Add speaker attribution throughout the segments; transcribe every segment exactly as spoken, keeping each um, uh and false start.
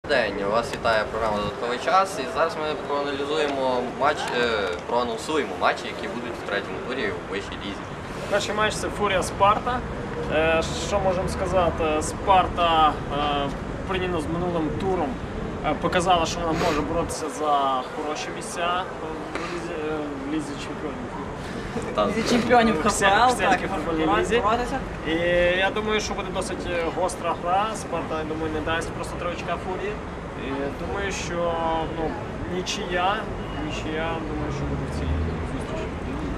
Speaker 1: День, вас вітає програма «Додатковий час» і зараз ми проаналізуємо матч, проанонсуємо матчі, які будуть в третьому турі у вищій лізі.
Speaker 2: Перший матч – це Фурія Спарта. Що можемо сказати? Спарта порівняно з минулим туром показала, що вона може боротися за хороші місця в лізі чемпіонів.
Speaker 3: Лізі чемпіонів ХФЛ, так,
Speaker 2: футбольній лізі. І я думаю, що буде досить гостра гра. Спарта, я думаю, не дасть просто три очка Фурії. І думаю, що ну, нічия, нічия, думаю, що буде в цій зустрічі.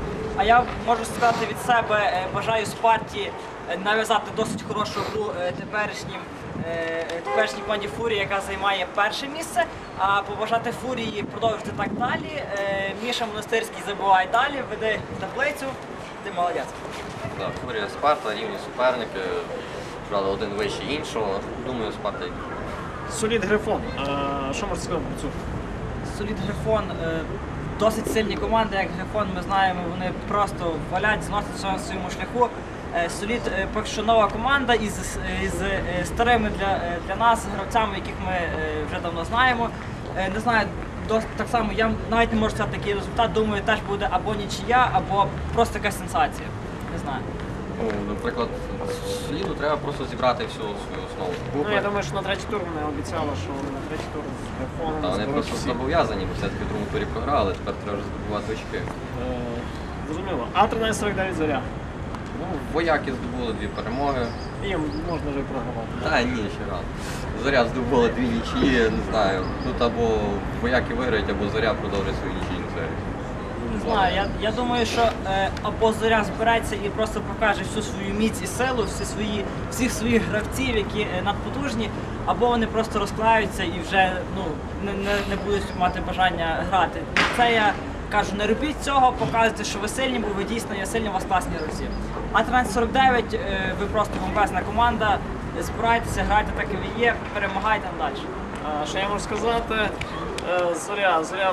Speaker 3: А я можу сказати від себе, бажаю Спарті нав'язати досить хорошу гру теперішнім теперішній команді Фурії, яка займає перше місце, а побажати Фурії продовжити так далі. Міша Монастирський забиває далі, веде таблицю, ти молодець.
Speaker 1: Да, Фурія Спарта, рівні суперники, правда, один вищий іншого, думаю, Спарта.
Speaker 2: Солід Грифон, що можна сказати про цю?
Speaker 3: Солід Грифон, досить сильні команди, як Грифон, ми знаємо, вони просто валять, зносять на своєму шляху. Солід поки що нова команда із, із старими для, для нас гравцями, яких ми вже давно знаємо. Не знаю, досить, так само я навіть не можу сказати такий результат, думаю, теж буде або нічия, або просто якась сенсація. Не знаю.
Speaker 1: Ну, наприклад, Соліду треба просто зібрати всю свою основу.
Speaker 2: Ну, я думаю, що на третій тур вони обіцяли, що на третій тур з Грифоном.
Speaker 1: Та вони просто зобов'язані, бо все-таки в другому турі програли, тепер треба вже здобувати очки.
Speaker 2: Зрозуміло. А тринадцять сорок дев'ять Зоря.
Speaker 1: Ну, вояки здобули дві перемоги.
Speaker 2: Їм можна вже і програвати.
Speaker 1: Та ні, ще рано. Зоря здобула дві нічиї, не знаю. Тут або вояки виграють, або Зоря продовжить свою нічийну серію.
Speaker 3: Не знаю, я, я думаю, що е, або Зоря збереться і просто покаже всю свою міць і силу, всі свої, всіх своїх гравців, які е, надпотужні, або вони просто розклаються і вже ну, не, не, не будуть мати бажання грати. Це я кажу, не робіть цього, показуйте, що ви сильні, бо ви дійсно є сильні, у вас класні гравці. А тринадцять сорок дев'ять, е, ви просто бомбезна команда, збирайтеся, грайте так, як ви є, перемагайте далі.
Speaker 2: А, що я можу сказати? Е, Зоря, Зоря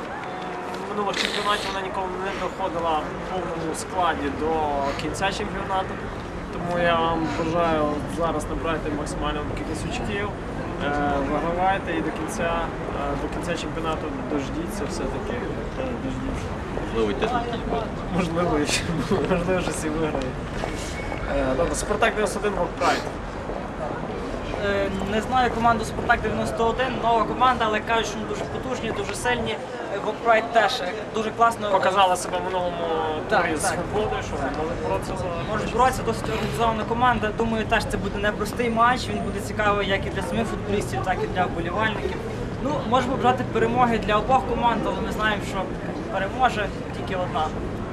Speaker 2: в минулих чемпіонатів вона ніколи не доходила в повному складі до кінця чемпіонату. Тому я вам бажаю зараз набрати максимальну кількість очків, е, вигравайте і до кінця, е, до кінця чемпіонату дождіться все-таки. Е, дождіться.
Speaker 1: Можливо, й титул якийсь буде.
Speaker 2: Можливо, і ще- можливо, що всі виграють. Е, Добре, Спартак дев'яносто один Rock Pride.
Speaker 3: Е, Не знаю команду Спартак дев'яносто один, нова команда, але кажуть, що вони дуже потужні, дуже сильні. Вокпрайд теж е, дуже класно
Speaker 2: Показала себе в минулому
Speaker 3: Так,
Speaker 2: турі з
Speaker 3: так.
Speaker 2: свободою, що вони можуть боротися за
Speaker 3: можуть боротися, досить організована команда. Думаю, теж це буде непростий матч, він буде цікавий як і для самих футболістів, так і для вболівальників. Ну, можемо брати перемоги для обох команд, але ми знаємо, що переможе тільки одна.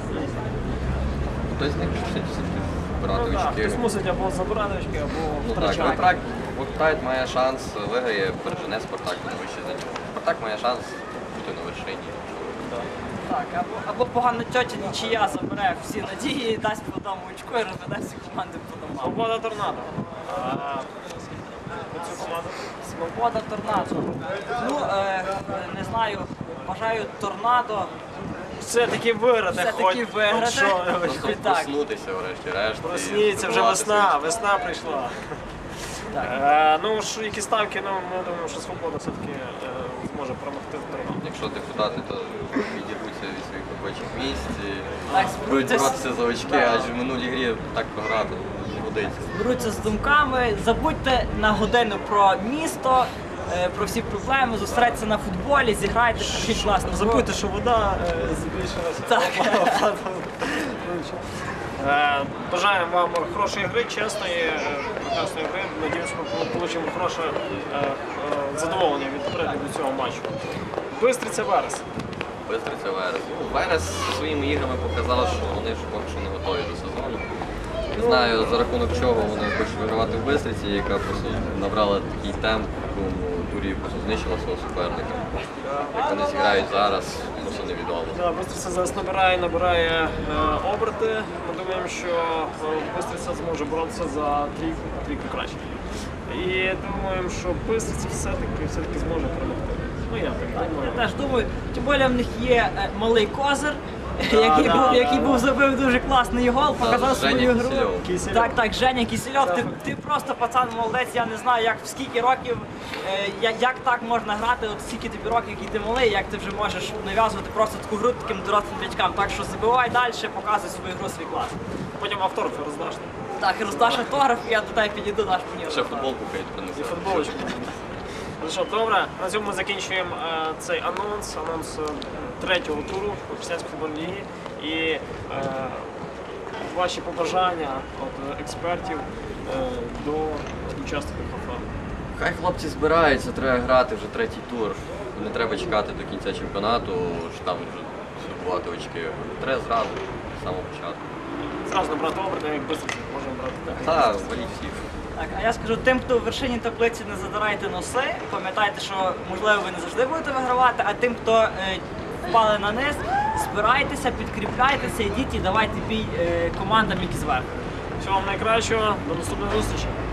Speaker 1: Хтось з них мусить все-таки збирати
Speaker 2: Ну, так,
Speaker 1: очки.
Speaker 2: хтось мусить або забирати очки, або
Speaker 1: Ну, так,
Speaker 2: втрачати.
Speaker 1: Вокпрайд має шанс, виграє, пережене Спартак на вище за нього. Спартак має шанс бути на вершині.
Speaker 3: Так, або, або погана тьотя нічия забере всі надії, дасть по одному очку і розведе всі команди по домам.
Speaker 2: Свобода Торнадо. А, оцю команду.
Speaker 3: Свобода Торнадо. Ну, е, не знаю, бажаю Торнадо.
Speaker 2: Все-таки виграти,
Speaker 3: Все-таки
Speaker 2: хоч,
Speaker 3: виграти.
Speaker 2: хоч що.
Speaker 1: Просто
Speaker 3: Так.
Speaker 1: проснутися врешті-решт. і
Speaker 2: Просніться, вже
Speaker 1: здобувати
Speaker 2: весна,
Speaker 1: свої
Speaker 2: весна прийшла.
Speaker 3: Так.
Speaker 2: Е, ну, ж, які ставки, ну, ми думаємо, що Свобода все-таки е, зможе перемогти в Торнадо.
Speaker 1: Якщо депутати, то відірвуться від своїх робочих місць і
Speaker 3: Так,
Speaker 1: будуть
Speaker 3: зберуться з-
Speaker 1: боротися за очки,
Speaker 3: Да.
Speaker 1: адже в минулій грі так програти не годиться.
Speaker 3: Беруться з думками, забудьте на годину про місто, е, про всі проблеми, зосередьтеся на футболі, зіграйте такий класний.
Speaker 2: Забудьте, що вода е, збільшилася.
Speaker 3: Так.
Speaker 2: Е, Бажаємо вам хорошої гри, чесної, е, прекрасної гри. Надіюсь, ми отримаємо хороше е, е, задоволення від перегляду цього матчу. Бистриця Верес.
Speaker 1: Бистриця Верес. Ну, Верес своїми іграми показав, що вони ж поки що не готові до сезону. Не знаю, за рахунок чого вони хочуть вигравати в Бистриці, яка просто набрала такий темп, в якому турі просто знищила свого суперника. Як вони зіграють зараз, просто невідомо.
Speaker 2: Да, Бистриця зараз набирає, набирає е, оберти. Ми думаємо, що е, Бистриця зможе боротися за трійку, трійку краще. І думаємо, що Бистриця все-таки все-таки зможе перемогти. Ну я так
Speaker 3: Я
Speaker 2: думаю.
Speaker 3: теж думаю, тим більше в них є е, малий козир, який,
Speaker 2: да,
Speaker 3: був,
Speaker 2: да,
Speaker 3: який
Speaker 2: да.
Speaker 3: був забив дуже класний гол, показав
Speaker 1: Женя
Speaker 3: свою гру.
Speaker 1: Кисельов.
Speaker 2: Кисельов.
Speaker 3: Так, так, Женя Кисельов, ти,
Speaker 2: Це-
Speaker 3: ти просто пацан молодець, я не знаю, як в скільки років, е, я- як так можна грати, от скільки тобі років, які ти малий, як ти вже можеш нав'язувати просто таку гру таким дорослим дядькам. Так що забивай далі, показуй свою гру, свій клас.
Speaker 2: Потім автографи роздаш.
Speaker 3: Так, роздаш автограф, я до тебе підійду, даш мені.
Speaker 1: Ще
Speaker 3: автограф.
Speaker 1: футболку хай
Speaker 2: І
Speaker 1: принесе.
Speaker 2: футболочку. Ну що, добре, на цьому ми закінчуємо е, цей анонс, анонс е, третього туру Християнської футбольної ліги. І е, ваші побажання від експертів е, до учасників ХФЛ.
Speaker 1: Хай хлопці збираються, треба грати вже третій тур. Не треба чекати до кінця чемпіонату, що там вже здобувати очки. Треба зразу, з самого початку.
Speaker 2: Зразу набрати оберти, як швидко можемо брати. Так.
Speaker 1: Та, валіть всіх.
Speaker 3: Так, а я скажу тим, хто в вершині таблиці, не задирайте носи. Пам'ятайте, що можливо ви не завжди будете вигравати, а тим, хто е, впали на низ, збирайтеся, підкріпляйтеся, йдіть і давайте бій е, командам, які зверху.
Speaker 2: Всього вам найкращого, до наступної зустрічі.